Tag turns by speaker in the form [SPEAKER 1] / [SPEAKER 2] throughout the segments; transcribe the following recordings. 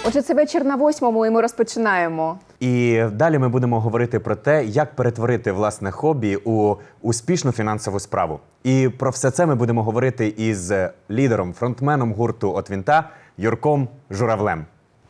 [SPEAKER 1] Отже, це вечір на 8-му, і ми розпочинаємо.
[SPEAKER 2] І далі ми будемо говорити про те, як перетворити власне хобі у успішну фінансову справу. І про все це ми будемо говорити із лідером, фронтменом гурту «От Вінта» Юрком Журавлем.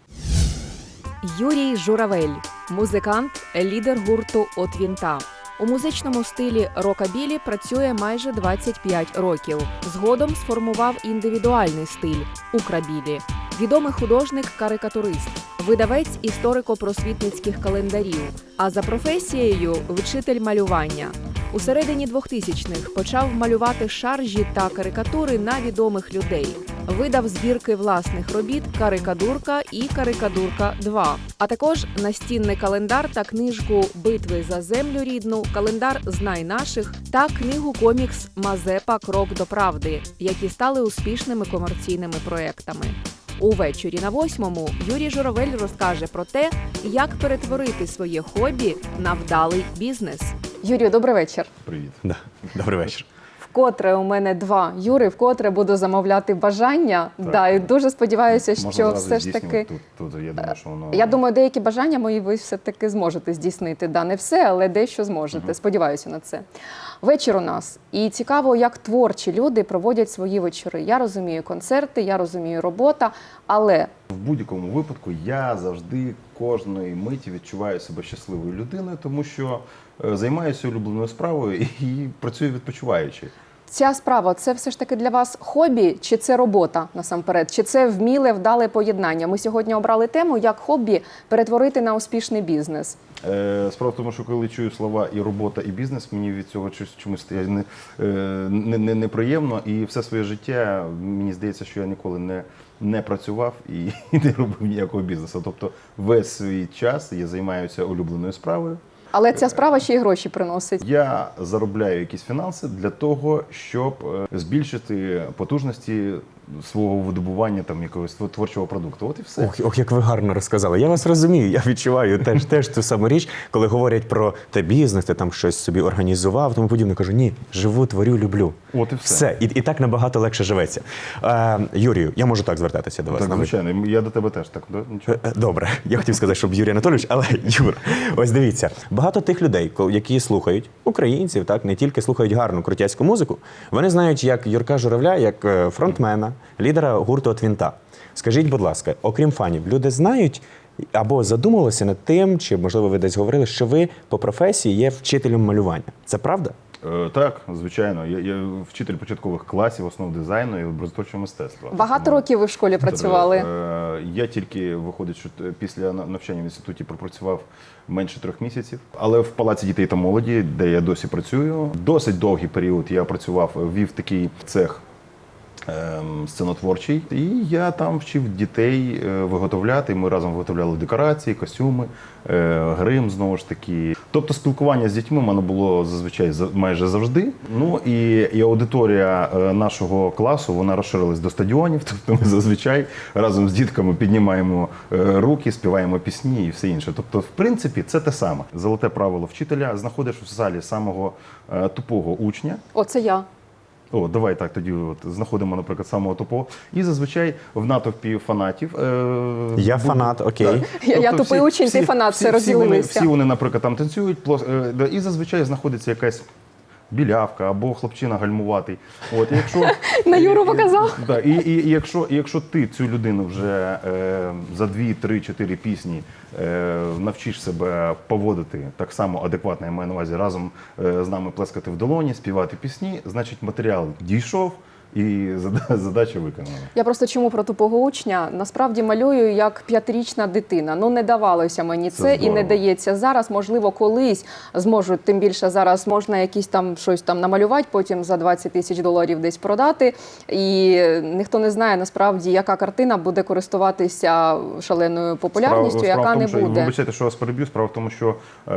[SPEAKER 3] Юрій Журавель – музикант, лідер гурту «От Вінта». У музичному стилі рокабілі працює майже 25 років. Згодом сформував індивідуальний стиль – украбілі. Відомий художник-карикатурист, видавець історико-просвітницьких календарів, а за професією – вчитель малювання. У середині 2000-х почав малювати шаржі та карикатури на відомих людей. Видав збірки власних робіт «Карикадурка» і «Карикадурка 2», а також настінний календар та книжку «Битви за землю рідну», календар «Знай наших» та книгу-комікс «Мазепа. Крок до правди», які стали успішними комерційними проектами. Увечері на 8-му Юрій Журавель розкаже про те, як перетворити своє хобі на вдалий бізнес.
[SPEAKER 1] Юрію, добрий вечір.
[SPEAKER 4] Привіт.
[SPEAKER 2] Да. Добрий вечір.
[SPEAKER 1] Вкотре у мене два Юри, вкотре буду замовляти бажання.
[SPEAKER 4] Так.
[SPEAKER 1] Да, і дуже сподіваюся,
[SPEAKER 4] Можна
[SPEAKER 1] що
[SPEAKER 4] зразу
[SPEAKER 1] все ж таки...
[SPEAKER 4] здійснювати тут. Я думаю, що воно...
[SPEAKER 1] Я думаю, деякі бажання мої ви все-таки зможете здійснити. Да, не все, але дещо зможете. Сподіваюся на це. Вечір у нас. І цікаво, як творчі люди проводять свої вечори. Я розумію концерти, я розумію робота, але...
[SPEAKER 4] В будь-якому випадку я завжди кожної миті відчуваю себе щасливою людиною, тому що займаюся улюбленою справою і працюю відпочиваючи.
[SPEAKER 1] Ця справа, це все ж таки для вас хобі, чи це робота насамперед? Чи це вміле, вдале поєднання? Ми сьогодні обрали тему, як хобі перетворити на успішний бізнес.
[SPEAKER 4] Справа в тому, що коли чую слова і робота, і бізнес, мені від цього чомусь неприємно. І все своє життя, мені здається, що я ніколи не працював і не робив ніякого бізнесу. Тобто весь свій час я займаюся улюбленою справою.
[SPEAKER 1] Але ця справа ще й гроші приносить.
[SPEAKER 4] Я заробляю якісь фінанси для того, щоб збільшити потужності свого видобування там якогось творчого продукту. От і все.
[SPEAKER 2] Ох, як ви гарно розказали. Я вас розумію, я відчуваю теж ту саму річ, коли говорять про те бізнес, ти там щось собі організував, тому подібне. Кажу, ні, живу, творю, люблю.
[SPEAKER 4] От і все.
[SPEAKER 2] І так набагато легше живеться. Юрію, я можу так звертатися до вас?
[SPEAKER 4] Так, звичайно, я до тебе теж так. Нічого.
[SPEAKER 2] Добре, я хотів сказати, щоб Юрій Анатолійович, але Юр, ось дивіться, багато тих людей, які слухають, українців, так, не тільки слухають гарну крутяцьку музику, вони знають як Юрка Журавля, як фронтмена, лідера гурту «От Вінта». Скажіть, будь ласка, окрім фанів, люди знають або задумувалися над тим, чи, можливо, ви десь говорили, що ви по професії є вчителем малювання. Це правда?
[SPEAKER 4] Так, звичайно. Я вчитель початкових класів, основ дизайну і образотворчого мистецтва.
[SPEAKER 1] Багато років ви в школі працювали?
[SPEAKER 4] Я тільки, виходить, що після навчання в інституті пропрацював менше 3 місяців. Але в Палаці дітей та молоді, де я досі працюю, досить довгий період я працював, вів такий цех сценотворчий. І я там вчив дітей виготовляти. Ми разом виготовляли декорації, костюми, грим, знову ж таки. Тобто спілкування з дітьми в мене було зазвичай майже завжди. Ну і аудиторія нашого класу, вона розширилась до стадіонів. Тобто ми зазвичай разом з дітками піднімаємо руки, співаємо пісні і все інше. Тобто, в принципі, це те саме. Золоте правило вчителя: знаходиш в залі самого тупого учня.
[SPEAKER 1] Оце я.
[SPEAKER 4] О, давай так, тоді знаходимо, наприклад, самого тупого. І зазвичай в натовпі фанатів...
[SPEAKER 2] Я фанат, окей.
[SPEAKER 1] Я тупий учень, ти фанат, все розділилися.
[SPEAKER 4] Всі вони, наприклад, там танцюють, і зазвичай знаходиться якась білявка або хлопчина гальмуватий. От, якщо,
[SPEAKER 1] На Юру показав?
[SPEAKER 4] Да, і якщо ти цю людину вже за 2, 3, 4 пісні навчиш себе поводити так само адекватно, я маю на увазі, разом з нами плескати в долоні, співати пісні, значить матеріал дійшов і задача виконана.
[SPEAKER 1] Я просто чому про тупого учня? Насправді малюю як 5-річна дитина. Ну, не давалося мені це і не дається зараз. Можливо, колись зможуть, тим більше зараз можна якісь там щось там намалювати, потім за 20 тисяч доларів десь продати. І ніхто не знає насправді, яка картина буде користуватися шаленою популярністю, яка не буде.
[SPEAKER 4] Вибачайте, що вас переб'ю. Справа в тому, що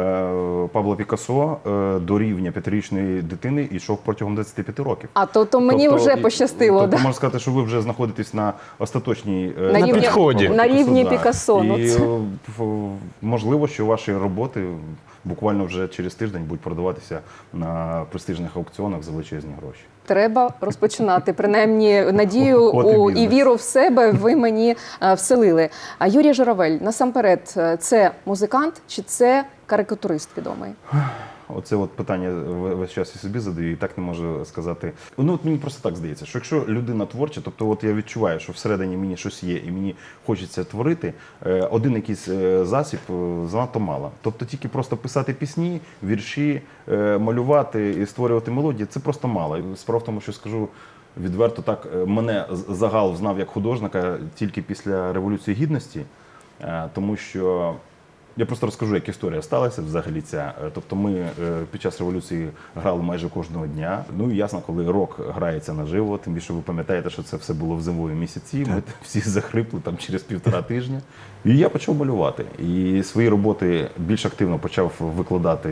[SPEAKER 4] Пабло Пікассо до рівня 5-річної дитини йшов протягом 25 років.
[SPEAKER 1] А то мені вже пощастило.
[SPEAKER 4] Тобто,
[SPEAKER 1] да?
[SPEAKER 4] можна сказати, що ви вже знаходитесь на остаточній
[SPEAKER 1] підході. На рівні Пікассо.
[SPEAKER 4] І можливо, що ваші роботи буквально вже через тиждень будуть продаватися на престижних аукціонах за величезні гроші.
[SPEAKER 1] Треба розпочинати. Принаймні, надію
[SPEAKER 4] От і
[SPEAKER 1] і
[SPEAKER 4] бізнес.
[SPEAKER 1] віру в себе ви мені вселили. А Юрій Журавель, насамперед, це музикант чи це карикатурист відомий?
[SPEAKER 4] Оце от питання весь час я собі задаю і так не можу сказати. Ну от мені просто так здається, що якщо людина творча, тобто от я відчуваю, що всередині мені щось є і мені хочеться творити, один якийсь засіб занадто мало. Тобто тільки просто писати пісні, вірші, малювати і створювати мелодії – це просто мало. Справа в тому, що скажу відверто так, мене загал знав як художника тільки після Революції Гідності, тому що я просто розкажу, як історія сталася взагалі ця. Тобто ми під час революції грали майже кожного дня. Ну і ясно, коли рок грається наживо, тим більше ви пам'ятаєте, що це все було в зимові місяці. Ми всі захрипли там через 1,5 тижня. І я почав малювати. І свої роботи більш активно почав викладати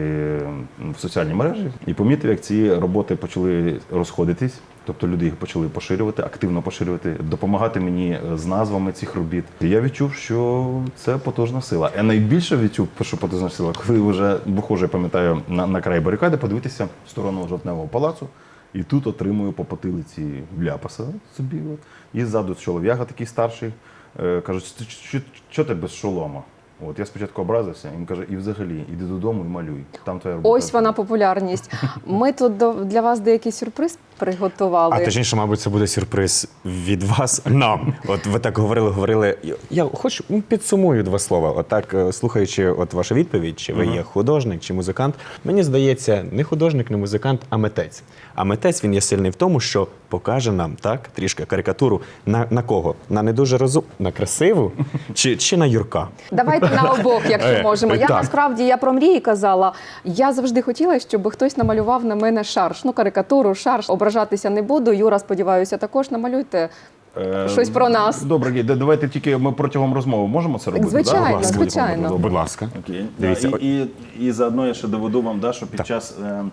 [SPEAKER 4] в соціальні мережі. І помітив, як ці роботи почали розходитись. Тобто люди їх почали поширювати, активно поширювати, допомагати мені з назвами цих робіт. І я відчув, що це потужна сила. Я найбільше відчув, що потужна сила, коли вже виходжу, я пам'ятаю, на край барикади, подивитися в сторону Жовтневого палацу. І тут отримую по потилиці ляпаса собі. От. І ззаду чолов'яга такий старший. Кажуть, що ти без шолома? От я спочатку образився, він каже, і взагалі, іди додому і малюй. Там твоя робота.
[SPEAKER 1] Ось вона популярність. Ми тут для вас деякий сюрприз приготували.
[SPEAKER 2] А точніше, мабуть, це буде сюрприз від вас нам. От ви так говорили. Я хочу підсумую 2 слова. Отак, слухаючи вашу відповідь, чи ви є художник, чи музикант, мені здається, не художник, не музикант, а митець. А митець, він є сильний в тому, що покаже нам, так, трішки карикатуру на кого? На не дуже на красиву чи на Юрка?
[SPEAKER 1] Давайте на обох, якщо можемо. Я
[SPEAKER 2] так.
[SPEAKER 1] насправді, я про мрії казала. Я завжди хотіла, щоб хтось намалював на мене шарж. Ну, карикатуру, шарж. Ображатися не буду. Юра, сподіваюся, також намалюйте щось про нас.
[SPEAKER 4] Добре, давайте тільки ми протягом розмови можемо це робити?
[SPEAKER 1] Звичайно,
[SPEAKER 4] да?
[SPEAKER 1] звичайно.
[SPEAKER 2] Будь ласка.
[SPEAKER 4] Окей.
[SPEAKER 2] Дивіться.
[SPEAKER 4] І заодно я ще доведу вам, що під час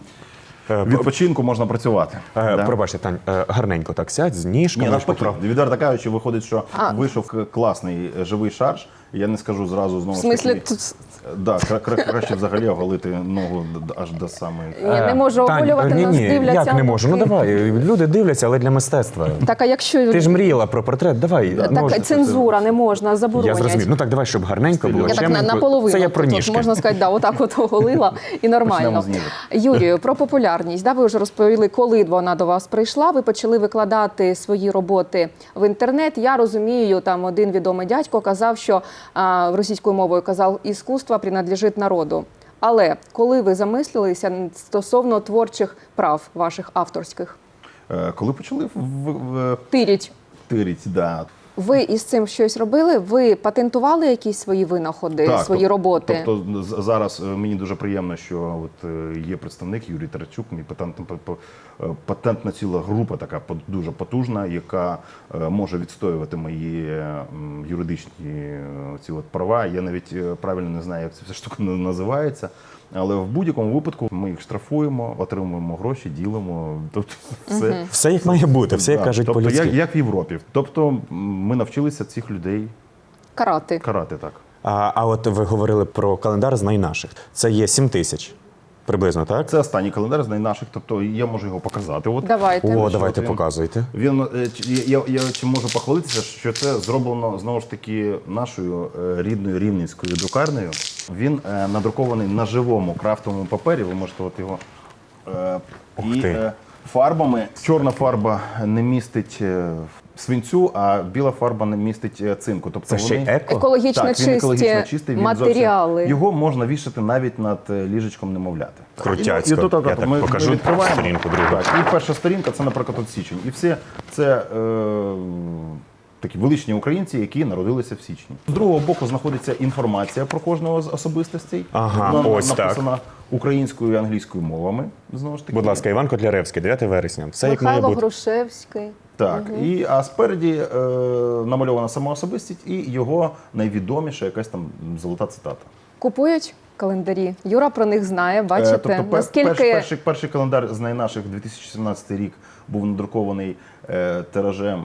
[SPEAKER 4] відпочинку можна працювати.
[SPEAKER 2] Пробачте, Тань, гарненько так сядь, з ніжками.
[SPEAKER 4] Ні, навпаки, відверто кажучи, виходить, що
[SPEAKER 1] А.
[SPEAKER 4] вийшов класний живий шарж. Я не скажу зразу знову
[SPEAKER 1] В
[SPEAKER 4] ж
[SPEAKER 1] смислі,
[SPEAKER 4] таки.
[SPEAKER 1] тут
[SPEAKER 4] Да, краще взагалі оголити ногу аж до самої.
[SPEAKER 1] ні, не можу
[SPEAKER 2] Тань,
[SPEAKER 1] оголювати, нас дивляться.
[SPEAKER 2] як не можу? Ну давай, люди дивляться, але для мистецтва.
[SPEAKER 1] Так, а якщо...
[SPEAKER 2] Ти ж мріяла про портрет, давай.
[SPEAKER 1] Так, цензура, не можна, заборонять.
[SPEAKER 2] Я зрозумів. Ну так, давай, щоб гарненько було.
[SPEAKER 1] Я так
[SPEAKER 2] чемненько.
[SPEAKER 1] наполовину.
[SPEAKER 2] Це я про
[SPEAKER 1] тут,
[SPEAKER 2] ніжки.
[SPEAKER 1] можна сказати, да, отак от оголила і нормально.
[SPEAKER 4] Почнемо з ніжок.
[SPEAKER 1] Юрію, про популярність. Да, ви вже розповіли, коли вона до вас прийшла. Ви почали викладати свої роботи в інтернет. Я розумію, там один відомий дядько казав, що російською мовою казав, іскусство принадлежить народу. Але коли ви замислилися стосовно творчих прав ваших авторських?
[SPEAKER 4] Коли почали
[SPEAKER 1] Тиріть.
[SPEAKER 4] тирить, да.
[SPEAKER 1] Ви із цим щось робили? Ви патентували якісь свої винаходи, свої роботи?
[SPEAKER 4] Тобто зараз мені дуже приємно, що от є представник Юрій Тарачук, мій патентна ціла група, така дуже потужна, яка може відстоювати мої юридичні ці от права. Я навіть правильно не знаю, як ця вся штука називається. Але в будь-якому випадку ми їх штрафуємо, отримуємо гроші, ділимо. Тобто все.
[SPEAKER 2] Все як має бути, все як
[SPEAKER 4] Да,
[SPEAKER 2] кажуть
[SPEAKER 4] тобто,
[SPEAKER 2] по-людськи.
[SPEAKER 4] як в Європі. Тобто ми навчилися цих людей
[SPEAKER 1] Карати.
[SPEAKER 4] карати так.
[SPEAKER 2] А от ви говорили про календар з найнаших. Це є 7 тисяч. Приблизно, так?
[SPEAKER 4] Це останній календар з найнаших, тобто я можу його показати. От.
[SPEAKER 1] Давайте.
[SPEAKER 2] О, давайте
[SPEAKER 4] він-
[SPEAKER 2] показуйте.
[SPEAKER 4] Він, я чи можу похвалитися, що це зроблено, знову ж таки, нашою рідною рівненською друкарнею. Він надрукований на живому крафтовому папері, ви можете от його
[SPEAKER 2] Ух
[SPEAKER 4] і
[SPEAKER 2] ти.
[SPEAKER 4] фарбами. Чорна фарба не містить свинцю, а біла фарба не містить цинку. Тобто
[SPEAKER 2] Це ще й еко?
[SPEAKER 1] Екологічно
[SPEAKER 4] Так, він екологічно
[SPEAKER 1] чисті
[SPEAKER 4] чистий, він
[SPEAKER 1] матеріали.
[SPEAKER 4] зовсім, його можна вішати навіть над ліжечком немовляти.
[SPEAKER 2] Крутяцько.
[SPEAKER 4] І тут,
[SPEAKER 2] Я так покажу
[SPEAKER 4] відкриваємо.
[SPEAKER 2] сторінку другу.
[SPEAKER 4] Так, і перша сторінка це, наприклад, от січень. І все це такі величні українці, які народилися в січні. З другого боку знаходиться інформація про кожного з особистостей.
[SPEAKER 2] Ага,
[SPEAKER 4] Вона
[SPEAKER 2] ось так.
[SPEAKER 4] написана українською і англійською мовами. Знову ж таки.
[SPEAKER 2] Будь ласка, Іван Котляревський, 9 вересня. Все як має
[SPEAKER 1] Михайло
[SPEAKER 2] бути.
[SPEAKER 1] Грушевський.
[SPEAKER 4] Так, а спереді намальована сама особистість і його найвідоміша якась там золота цитата.
[SPEAKER 1] Купують календарі. Юра про них знає, бачите.
[SPEAKER 4] Тобто
[SPEAKER 1] Наскільки
[SPEAKER 4] перший календар з найнаших 2017 рік був надрукований тиражем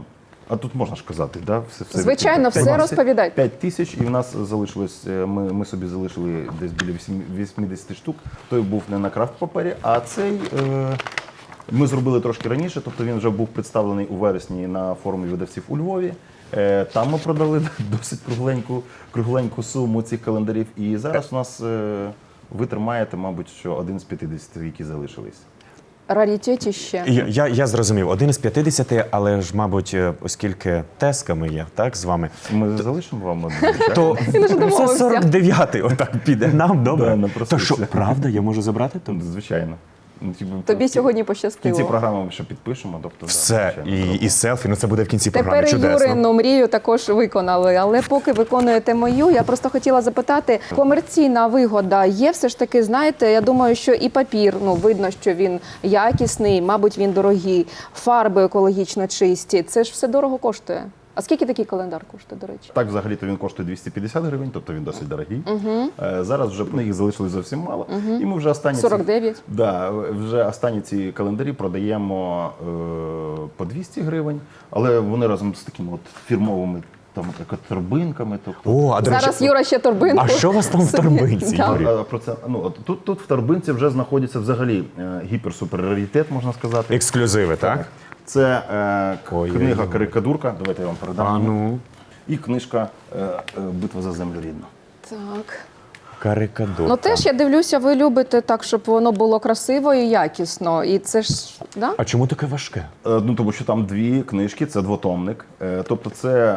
[SPEAKER 4] А тут можна ж казати, да?
[SPEAKER 1] Звичайно, все
[SPEAKER 4] 5
[SPEAKER 1] розповідайте.
[SPEAKER 4] 5 тисяч, і в нас залишилось, ми собі залишили десь біля 80 штук. Той був не на крафт-папері, а цей ми зробили трошки раніше, тобто він вже був представлений у вересні на форумі видавців у Львові. Там ми продали досить кругленьку суму цих календарів. І зараз у нас ви тримаєте, мабуть, що один з 50, які залишились.
[SPEAKER 1] Раритетіще.
[SPEAKER 2] Я зрозумів, один з 50, але ж, мабуть, оскільки тесками є, так, з вами,
[SPEAKER 4] Ми залишимо вам один,
[SPEAKER 2] то
[SPEAKER 1] Він уже
[SPEAKER 2] це
[SPEAKER 1] домовився.
[SPEAKER 2] 49-й отак піде нам,
[SPEAKER 4] Да,
[SPEAKER 2] добре?
[SPEAKER 4] напросився.
[SPEAKER 2] То що, правда, я можу забрати тут?
[SPEAKER 4] Звичайно. Ну,
[SPEAKER 1] Тобі сьогодні
[SPEAKER 4] в кінці
[SPEAKER 1] пощастило.
[SPEAKER 4] програми ми ще підпишемо. Тобто,
[SPEAKER 2] Все,
[SPEAKER 4] да, звичайно.
[SPEAKER 2] і селфі, ну це буде в кінці програми,
[SPEAKER 1] Тепер
[SPEAKER 2] чудесно.
[SPEAKER 1] Юрину мрію також виконали. Але поки виконуєте мою, я просто хотіла запитати, комерційна вигода є все ж таки, знаєте, я думаю, що і папір, ну, видно, що він якісний, мабуть, він дорогий, фарби екологічно чисті. Це ж все дорого коштує. А скільки такий календар коштує, до речі?
[SPEAKER 4] Так, взагалі-то він коштує 250 гривень, тобто він досить дорогий. Зараз вже їх залишилось зовсім мало. І ми вже останні
[SPEAKER 1] 49.
[SPEAKER 4] Да, вже останні ці календарі продаємо по 200 гривень, але вони разом з такими от фірмовими там торбинками. Тобто,
[SPEAKER 2] О, а до речі,
[SPEAKER 1] Зараз Юра ще торбинку.
[SPEAKER 2] а що у вас там в
[SPEAKER 1] собі
[SPEAKER 2] торбинці,
[SPEAKER 1] дав.
[SPEAKER 2] Юрій?
[SPEAKER 4] про це, ну, от тут в торбинці вже знаходиться взагалі гіпер-супер-раритет, можна сказати.
[SPEAKER 2] Ексклюзиви, так?
[SPEAKER 4] Це
[SPEAKER 2] Ой-ой-ой.
[SPEAKER 4] книга «Карикадурка», давайте я вам передам.
[SPEAKER 2] А ну,
[SPEAKER 4] І книжка «Битва за землю рідну».
[SPEAKER 1] Так.
[SPEAKER 2] карикадурка.
[SPEAKER 1] Ну теж я дивлюся, ви любите так, щоб воно було красиво і якісно. І це ж, да?
[SPEAKER 2] А чому таке важке?
[SPEAKER 4] Ну, тому що там дві книжки, це двотомник. Тобто це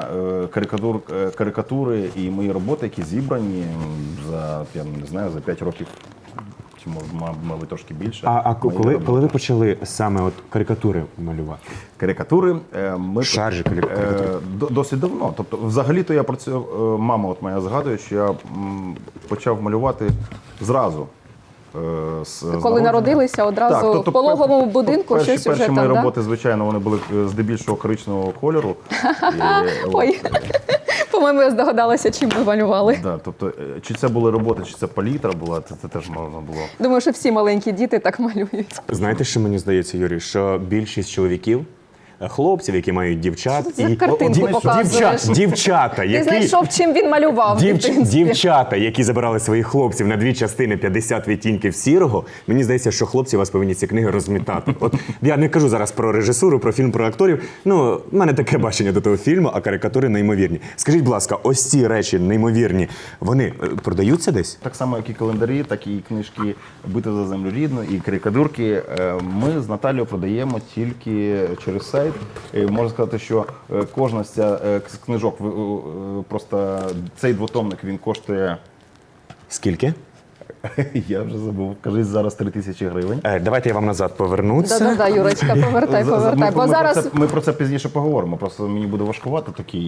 [SPEAKER 4] карикатури і мої роботи, які зібрані за, я не знаю, за 5 років, чи мабуть трошки більше.
[SPEAKER 2] А
[SPEAKER 4] Мої
[SPEAKER 2] коли
[SPEAKER 4] роботи.
[SPEAKER 2] ви почали саме от карикатури малювати?
[SPEAKER 4] Карикатури ми
[SPEAKER 2] Шаржі карикатури.
[SPEAKER 4] досить давно. Тобто, взагалі-то я працював, мама от моя згадує, що я почав малювати зразу. З
[SPEAKER 1] Коли
[SPEAKER 4] народження.
[SPEAKER 1] народилися, одразу
[SPEAKER 4] Так, тобто
[SPEAKER 1] в пологовому будинку
[SPEAKER 4] перші
[SPEAKER 1] щось уже
[SPEAKER 4] мої
[SPEAKER 1] там, да?
[SPEAKER 4] роботи, звичайно, вони були здебільшого коричневого кольору.
[SPEAKER 1] Ой, по-моєму, я здогадалася, чим ви малювали.
[SPEAKER 4] Да, тобто, чи це були роботи, чи це палітра була, це теж можна було.
[SPEAKER 1] Думаю, що всі маленькі діти так малюють.
[SPEAKER 2] Знаєте, що мені здається, Юрій, що більшість чоловіків, хлопців, які мають дівчат,
[SPEAKER 1] Що за картинку показуєш?
[SPEAKER 2] дівчата,
[SPEAKER 1] Ти
[SPEAKER 2] які
[SPEAKER 1] знайшов, чим він малював. в дитинстві.
[SPEAKER 2] Дівчата, які забирали своїх хлопців на дві частини 50 відтінків сірого, мені здається, що хлопці вас повинні ці книги розмітати. От я не кажу зараз про режисуру, про фільм, про акторів. Ну, в мене таке бачення до того фільму, а карикатури неймовірні. Скажіть, будь ласка, ось ці речі неймовірні, вони продаються десь?
[SPEAKER 4] Так само, як і календарі, так і книжки «Битва за землю рідну» і карикатурки. Ми з Наталією продаємо тільки через сайт. Можна сказати, що кожна з ця книжок, просто цей двотомник, він коштує,
[SPEAKER 2] Скільки?
[SPEAKER 4] я вже забув, кажись, зараз 3000 гривень.
[SPEAKER 2] Давайте я вам назад повернуся.
[SPEAKER 1] Да-да-да, Юрочка, повертай. Бо зараз
[SPEAKER 4] Ми про це пізніше поговоримо, просто мені буде важкувати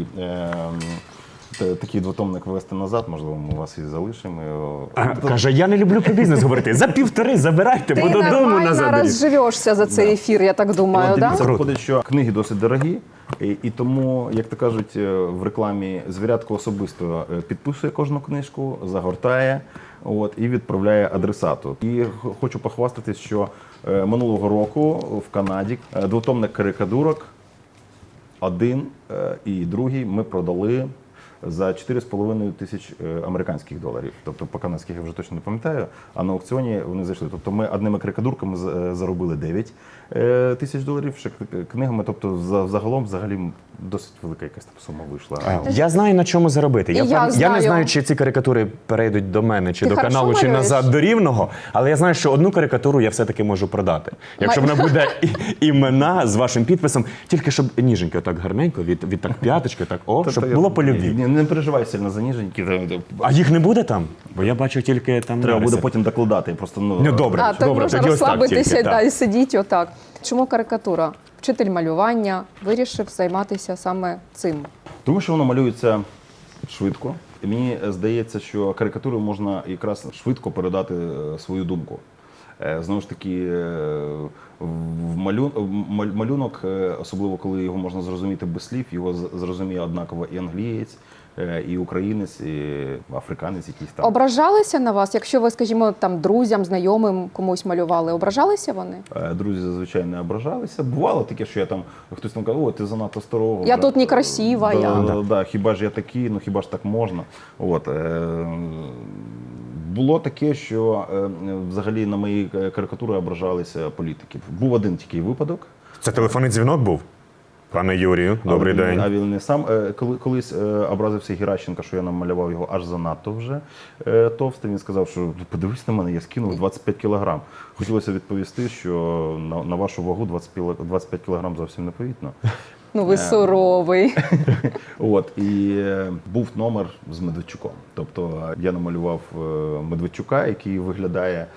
[SPEAKER 4] такий двотомник ввести назад, можливо, ми вас і залишимо.
[SPEAKER 2] Каже, я не люблю про бізнес говорити. За 1,5 забирайте,
[SPEAKER 1] ти
[SPEAKER 2] бо додому
[SPEAKER 1] нормально
[SPEAKER 2] назад. беріть.
[SPEAKER 1] розживешся за цей ефір, я так думаю,
[SPEAKER 4] От
[SPEAKER 1] да?
[SPEAKER 4] дивіться, виходить, що книги досить дорогі, і тому, як то кажуть, в рекламі звірятко особисто підписує кожну книжку, загортає і відправляє адресату. І хочу похвастатись, що минулого року в Канаді двотомник карикатурок, один і другий ми продали за 4,5 тисяч американських доларів. Тобто по канадських я вже точно не пам'ятаю, а на аукціоні вони зайшли. Тобто ми одними карикатурками заробили 9 тисяч доларів, ще книгами, тобто загалом взагалі досить велика якась там сума вийшла.
[SPEAKER 2] Я знаю, на чому заробити.
[SPEAKER 1] І я
[SPEAKER 2] Я не
[SPEAKER 1] знаю.
[SPEAKER 2] знаю, чи ці карикатури перейдуть до мене, чи
[SPEAKER 1] Ти
[SPEAKER 2] до
[SPEAKER 1] хорошо
[SPEAKER 2] каналу, чи
[SPEAKER 1] малюєш?
[SPEAKER 2] назад до Рівного, але я знаю, що одну карикатуру я все-таки можу продати. Якщо вона буде імена з вашим підписом, тільки щоб ніженько, так гарненько, від так п'яточки, так, щоб було по любві.
[SPEAKER 4] Не переживай сильно за ніженьки.
[SPEAKER 2] А їх не буде там? Бо я бачу тільки там
[SPEAKER 4] Треба буде
[SPEAKER 2] нариси.
[SPEAKER 4] потім докладати. Просто,
[SPEAKER 2] Ну, добре.
[SPEAKER 1] А, так
[SPEAKER 2] Добре,
[SPEAKER 1] можна
[SPEAKER 2] тоді ось так
[SPEAKER 1] розслабитися
[SPEAKER 2] тільки, так.
[SPEAKER 1] і сидіть отак. Чому карикатура? Вчитель малювання вирішив займатися саме цим.
[SPEAKER 4] Тому що воно малюється швидко. І мені здається, що карикатурою можна якраз швидко передати свою думку. Знову ж таки, малюнок, особливо коли його можна зрозуміти без слів, його зрозуміє однаково і англієць, і українець, і африканець якийсь там.
[SPEAKER 1] Ображалися на вас, якщо ви, скажімо, там друзям, знайомим комусь малювали, ображалися вони?
[SPEAKER 4] Друзі зазвичай не ображалися. Бувало таке, що я там, хтось там каже, о, ти занадто старого.
[SPEAKER 1] Я тут некрасива, я.
[SPEAKER 4] Да, хіба ж я такий, ну хіба ж так можна. От. Було таке, що взагалі на мої карикатури ображалися політики. Був один такий випадок.
[SPEAKER 2] Це телефонний дзвінок був? Пане Юрію, добрий день.
[SPEAKER 4] А він не сам. Колись образився Геращенко, що я намалював його аж занадто вже товстий. Він сказав, що подивись на мене, я скинув 25 кілограм. Хотілося відповісти, що на вашу вагу 25 кілограм зовсім непомітно.
[SPEAKER 1] Ну ви суровий.
[SPEAKER 4] От, і був номер з Медведчуком. Тобто я намалював Медведчука, який виглядає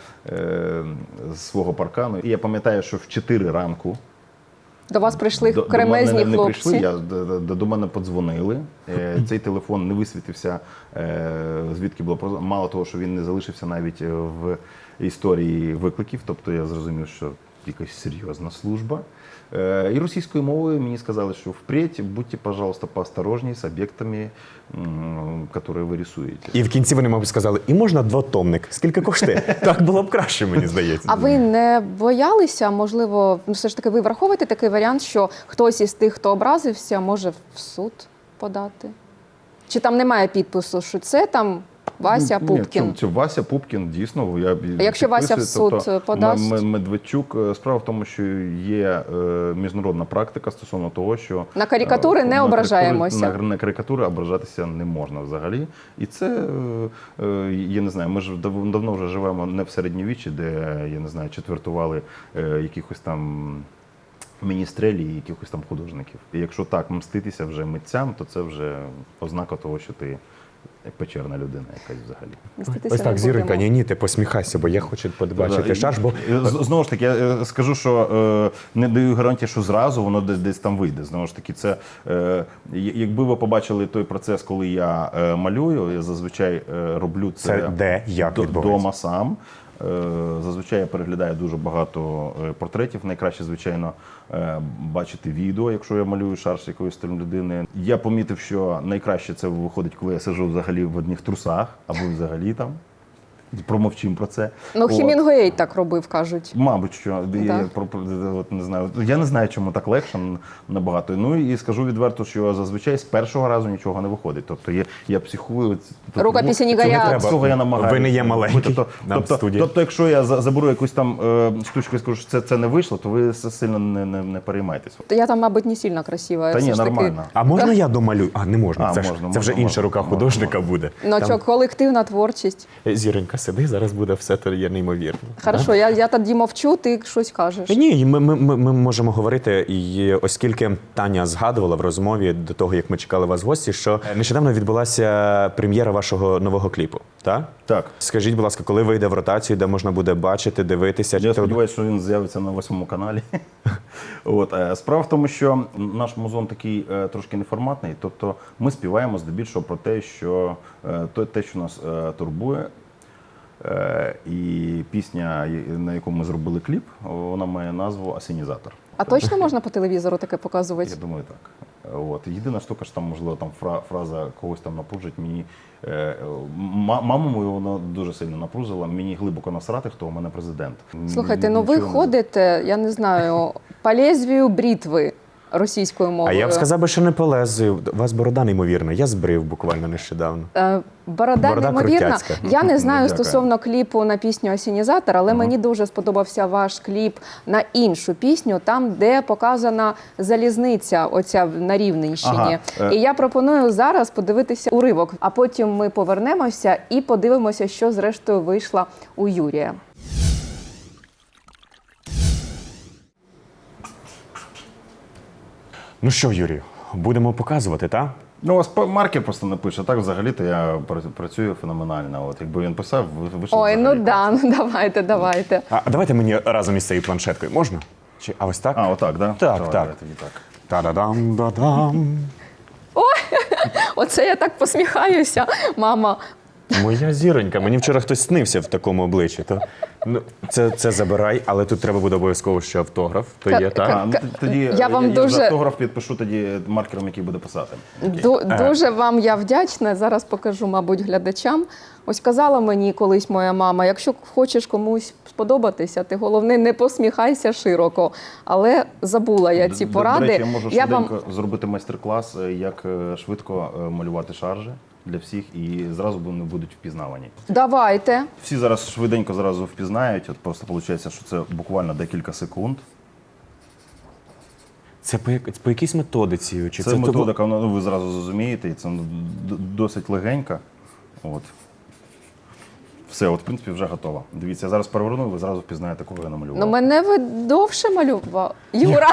[SPEAKER 4] з свого паркану. І я пам'ятаю, що в 4 ранку
[SPEAKER 1] До вас прийшли
[SPEAKER 4] до
[SPEAKER 1] кремезні
[SPEAKER 4] мене не
[SPEAKER 1] хлопці.
[SPEAKER 4] прийшли, до мене подзвонили. Цей телефон не висвітився, звідки було. Мало того, що він не залишився навіть в історії викликів, тобто я зрозумів, що якась серйозна служба. І російською мовою мені сказали, що впредь будьте, пожалуйста, поосторожней з об'єктами, які ви рисуєте.
[SPEAKER 2] І в кінці вони, мабуть, сказали, і можна двотомник? Скільки коштує? Так було б краще, мені здається.
[SPEAKER 1] А ви не боялися, можливо, все ж таки ви враховуєте такий варіант, що хтось із тих, хто образився, може в суд подати? Чи там немає підпису, що це там Вася Пупкін?
[SPEAKER 4] Ні, це Вася Пупкін, дійсно.
[SPEAKER 1] А якщо Вася в суд подасть?
[SPEAKER 4] Медведчук, справа в тому, що є міжнародна практика стосовно того, що
[SPEAKER 1] На карикатури не ображаємося.
[SPEAKER 4] На карикатури ображатися не можна взагалі. І це, я не знаю, ми ж давно вже живемо не в середньовіччі, де, я не знаю, четвертували якихось там міністрелі і якихось там художників. І якщо так мститися вже митцям, то це вже ознака того, що ти печерна людина якась взагалі.
[SPEAKER 1] Мститися
[SPEAKER 2] Ось
[SPEAKER 1] не
[SPEAKER 2] так, зіронька,
[SPEAKER 1] будемо.
[SPEAKER 2] ні, ти посміхайся, бо я хочу побачити шарж, бо...
[SPEAKER 4] Знову ж таки, я скажу, що не даю гарантії, що зразу воно десь там вийде. Знову ж таки, це, якби ви побачили той процес, коли я малюю, я зазвичай роблю
[SPEAKER 2] Це де, як відбувається?
[SPEAKER 4] вдома сам. Зазвичай я переглядаю дуже багато портретів. Найкраще, звичайно, бачити відео, якщо я малюю шарж якоїсь там людини. Я помітив, що найкраще це виходить, коли я сиджу взагалі в одних трусах, або взагалі там. Промовчим про це.
[SPEAKER 1] Ну, Хемінгуей так робив, кажуть.
[SPEAKER 4] Мабуть, що. От, не знаю. Я не знаю, чому так легше набагато. Ну і скажу відверто, що зазвичай з першого разу нічого не виходить. Тобто я психую.
[SPEAKER 1] Рукописи не горять.
[SPEAKER 4] Цього я намагаюся.
[SPEAKER 2] Ви не є маленький нам в студії.
[SPEAKER 4] Тобто, якщо я заберу якусь там штучку і скажу, що це не вийшло, то ви сильно не переймайтесь.
[SPEAKER 1] Я там, мабуть, не сильно красива.
[SPEAKER 4] Та
[SPEAKER 1] все
[SPEAKER 4] ні,
[SPEAKER 1] ж таки.
[SPEAKER 4] нормально.
[SPEAKER 2] А можна я домалюю? А, не можна.
[SPEAKER 4] А,
[SPEAKER 2] Це
[SPEAKER 4] можна,
[SPEAKER 2] вже
[SPEAKER 4] можна,
[SPEAKER 2] інша рука
[SPEAKER 4] можна,
[SPEAKER 2] художника
[SPEAKER 4] можна.
[SPEAKER 2] буде.
[SPEAKER 1] Ну, що, колективна творчість.
[SPEAKER 2] Зіронька, сиди, зараз буде все, то є неймовірно.
[SPEAKER 1] Хорошо, я тоді мовчу, ти щось кажеш.
[SPEAKER 2] Ні, ми можемо говорити, і оскільки Таня згадувала в розмові до того, як ми чекали вас в гості, що нещодавно відбулася прем'єра вашого нового кліпу, так?
[SPEAKER 4] Так.
[SPEAKER 2] Скажіть, будь ласка, коли вийде в ротацію, де можна буде бачити, дивитися?
[SPEAKER 4] Я сподіваюся, що він з'явиться на 8 каналі. От. Справа в тому, що наш музон такий трошки неформатний, тобто ми співаємо здебільшого про те, що нас турбує. І пісня, на яку ми зробили кліп, вона має назву «Асенізатор».
[SPEAKER 1] А точно можна по телевізору таке показувати?
[SPEAKER 4] Я думаю, так. От. Єдина штука, що там, можливо, там фраза когось там напружить. Мені маму мою вона дуже сильно напружила. Мені глибоко насрати, хто у мене президент.
[SPEAKER 1] Слухайте, ну ви
[SPEAKER 4] Нічого не-
[SPEAKER 1] ходите, я не знаю, по лезвію бритви російською
[SPEAKER 2] А
[SPEAKER 1] мовою.
[SPEAKER 2] я б сказав би, що не полезу. У вас борода неймовірна. Я збрив буквально нещодавно.
[SPEAKER 1] Борода неймовірна.
[SPEAKER 2] крутяцька.
[SPEAKER 1] Я не знаю
[SPEAKER 4] Дякую.
[SPEAKER 1] стосовно кліпу на пісню «Асенізатор», але мені дуже сподобався ваш кліп на іншу пісню, там, де показана залізниця оця на Рівненщині.
[SPEAKER 4] Ага.
[SPEAKER 1] І я пропоную зараз подивитися уривок, а потім ми повернемося і подивимося, що зрештою вийшло у Юрія.
[SPEAKER 2] Ну що, Юрію, будемо показувати, так?
[SPEAKER 4] Ну, у вас маркер просто не пише. Так, взагалі-то я працюю феноменально. От, якби він писав, вийшло
[SPEAKER 1] Ой, ну
[SPEAKER 4] взагалі
[SPEAKER 1] да, ну давайте.
[SPEAKER 2] А давайте мені разом із цією планшеткою. Можна? Чи, а ось так?
[SPEAKER 4] А, отак, да?
[SPEAKER 2] Так,
[SPEAKER 4] Давай,
[SPEAKER 2] так.
[SPEAKER 4] давай тоді так.
[SPEAKER 2] Та-да-дам-да-дам.
[SPEAKER 1] Оце я так посміхаюся. Мама
[SPEAKER 2] Моя зіронька, мені вчора хтось снився в такому обличчі. То, ну, це забирай, але тут треба буде обов'язково ще автограф. То є, так?
[SPEAKER 4] Тоді
[SPEAKER 1] Я вам дуже-
[SPEAKER 4] автограф підпишу тоді маркером, який буде писати.
[SPEAKER 1] Дуже вам я вдячна. Зараз покажу, мабуть, глядачам. Ось казала мені колись моя мама, якщо хочеш комусь сподобатися, ти головне не посміхайся широко. Але забула я ці поради.
[SPEAKER 4] До речі, я можу
[SPEAKER 1] Я вам-
[SPEAKER 4] швиденько зробити майстер-клас, як швидко малювати шаржі для всіх, і зразу вони будуть впізнавані.
[SPEAKER 1] Давайте.
[SPEAKER 4] Всі зараз швиденько зразу впізнають, от просто виходить, що це буквально декілька секунд.
[SPEAKER 2] Це по якійсь методиці? Чи
[SPEAKER 4] Це методика, ну, ви зразу зрозумієте, і це досить легенька. От. Все, от, в принципі, вже готово. Дивіться, я зараз переверну, і ви зразу впізнаєте, кого я намалював.
[SPEAKER 1] Ну, мене ви довше малював. Юра!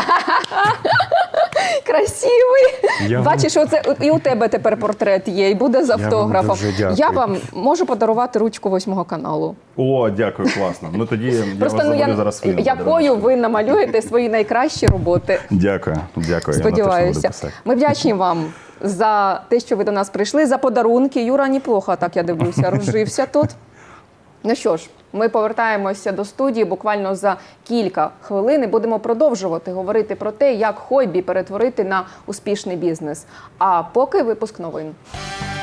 [SPEAKER 1] Красивий!
[SPEAKER 2] Я вам-
[SPEAKER 1] Бачиш, оце і у тебе тепер портрет є, і буде з
[SPEAKER 2] вам
[SPEAKER 1] автографом.
[SPEAKER 2] дуже дякую.
[SPEAKER 1] Я вам можу подарувати ручку 8 каналу.
[SPEAKER 4] О, дякую, класно. Ну тоді я
[SPEAKER 1] Просто
[SPEAKER 4] вас
[SPEAKER 1] ну,
[SPEAKER 4] завалю зараз своїм
[SPEAKER 1] якою
[SPEAKER 4] подарунком.
[SPEAKER 1] ви намалюєте свої найкращі роботи.
[SPEAKER 4] Дякую, дякую. Я на те, що буду
[SPEAKER 1] Сподіваюся.
[SPEAKER 4] писати.
[SPEAKER 1] Ми вдячні вам за те, що ви до нас прийшли, за подарунки. Юра неплохо, так я дивлюся, розжився тут. Ну що ж, ми повертаємося до студії буквально за кілька хвилин і будемо продовжувати говорити про те, як хобі перетворити на успішний бізнес. А поки випуск новин.